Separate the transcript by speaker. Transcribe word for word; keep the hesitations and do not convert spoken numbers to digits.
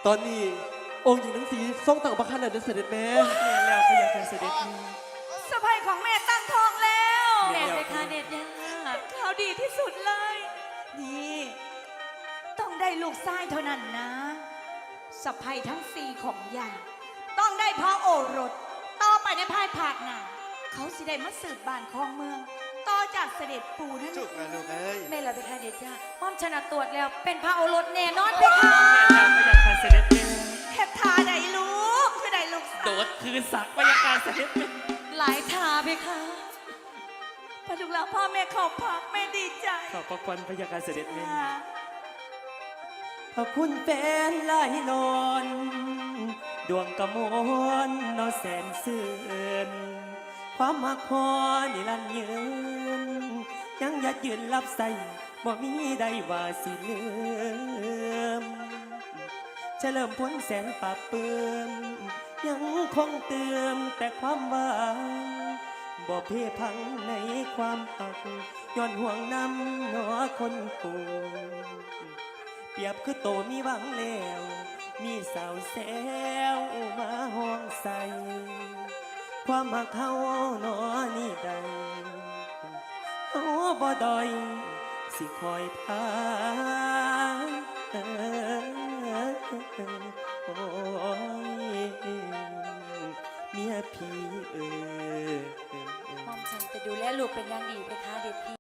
Speaker 1: ตอนนี้องค์หญิงทั้งสีทรงต่างประคันเดินเสด็จแม่แม่แล้วพยาการเสด็จนี่
Speaker 2: สะใภ้ของแม่ตั้งท้องแล้ว
Speaker 3: แม่ไปค่ะเด็ดยา
Speaker 2: ข่าวดีที่สุดเลย นี่ต้องได้ลูกชายเท่านั้นนะสะใภ้ทั้งสี่ของยาต้องได้พระโอรสต่อไปในภายภาคหน้าเขาสิได้มาสืบบ้านของเมืองต่อจากเสด็จปู่นั่น
Speaker 1: จุกนะลูกเอ้ย
Speaker 3: แม่เราไปค่ะเด็ดยาป้อมชนะตรวจแล้วเป็นพระโอรสแน่นอนไปค่ะ
Speaker 4: แม่แล้วพยาการเสด็จแม่
Speaker 2: เทพทาได้ลูกคือได้ลูก
Speaker 4: โดดคืนสักพยาการเสด็จแม่
Speaker 3: หลายทาไปค่ะ
Speaker 2: พอลูกหลานพ่อแม่เขาพักแม่ดีใจ
Speaker 4: ขอบพระคุณพยาการเสด็จแม่
Speaker 1: พระคุณแฟนลายนอนดวงกระมวลนอแสนเสื่อนความมักพอนิรันดร์ยืนยังยัดยืนรับใส่บ่มีใดว่าสิลืมเฉลิมพ้นแสนปราบเปื้มยังคงเติมแต่ความหวังบ่เพพังในความหักย้อนห่วงน้ำหนอคนกูเปรียบคือโตมีหวังแล้วมีสาวแซวมาห้องใส่ความหักเขาหนอนี่ใดเขาบ่ดอยสิคอยทางโอ้ยเมียพี่เออ
Speaker 3: ป้อมฉันจะดูแลลูกเป็นอย่างดีไปค่ะเด็ดพี่